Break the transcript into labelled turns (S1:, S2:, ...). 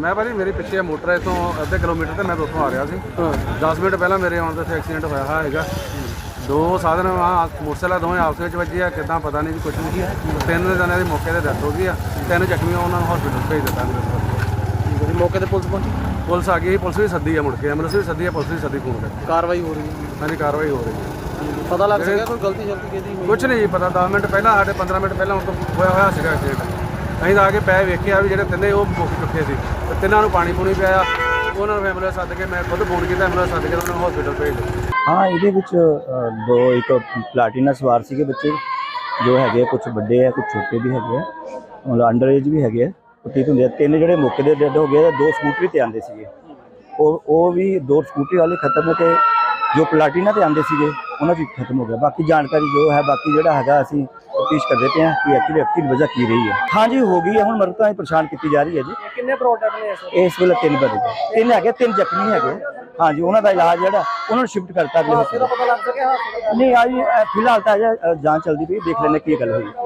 S1: मैं भाजी मेरे पिछे मोटर इतों अद्धे किलोमीटर तो मैं तो उतों आ रहा सी 10 मिनट पहला मेरे आने से एक्सीडेंट होया है। दो साधन वहाँ मोटरसाइकिल दोवें आपस में वजे आ कि पता नहीं कुछ नहीं। 3 जने की मौके पर डेथ हो गई है, 3 जख्मी उन्होंने हॉस्पिटल भेज दिता।
S2: मौके पर पुलिस पहुंची,
S1: पुलिस आ गई, पुलिस भी सदी है, मुड़ के एम्बुलेंस भी सदी है, पुलिस भी सदी फोन कर
S2: कार्रवाई हो रही है।
S1: हाँ जी कार्रवाई हो रही है।
S2: पता लग सका कोई गलती शलती किहदी?
S1: कुछ नहीं पता, 10 मिनट पहला साढ़े 15 मिनट पहला उनको होया सीगा एक्सीडेंट। ਅਸੀਂ ਤਾਂ ਆ ਕੇ ਪੈ ਵੇਖਿਆ ਵੀ ਜਿਹੜੇ ਤਿੰਨੇ ਉਹ ਮੁੱਕ ਚੁੱਕੇ ਸੀ ਤੇ ਤਿੰਨਾਂ ਨੂੰ ਪਾਣੀ ਪੂਣੀ ਪਿਆਇਆ। ਉਹਨਾਂ ਨੂੰ ਐਂਬੂਲੈਂਸ ਸੱਦ ਕੇ ਮੈਂ ਖੁਦ ਫੋਨ ਕੀਤਾ, ਐਂਬੂਲੈਂਸ ਸੱਦ ਕੇ ਉਹਨਾਂ ਨੂੰ ਹਸਪੀਟਲ ਭੇਜ ਦਿੱਤਾ।
S3: हाँ ये दो एक प्लाटिना सवार सी बच्चे जो है, कुछ बड़े है कुछ छोटे भी है, मतलब अंडर एज भी है। ठीक होंगे 3 जो मौके पर डेड हो गए, 2 स्कूटरी पर आते थे और भी 2 स्कूटरी वाले खत्म है, जो प्लाटिना पर आते थे उन्होंने खत्म हो गया। बाकी जानकारी जो है बाकी जोड़ा है असी तफ्तीश करते पे हैं कि एक्चुअली वजह की रही है। हाँ जी हो गई है, हम मरता ही परेशान की जा रही है जी।
S2: कितने प्रोडक्ट ने
S3: इस वेले 3 बंदे 3 है, 3 जख्मी है। हाँ जी उन्होंने इलाज जो उन्होंने शिफ्ट करता अगले
S2: पता लग सके?
S3: नहीं आज फिलहाल तो अजय जांच चलती पई, देख लेने की गल हुई।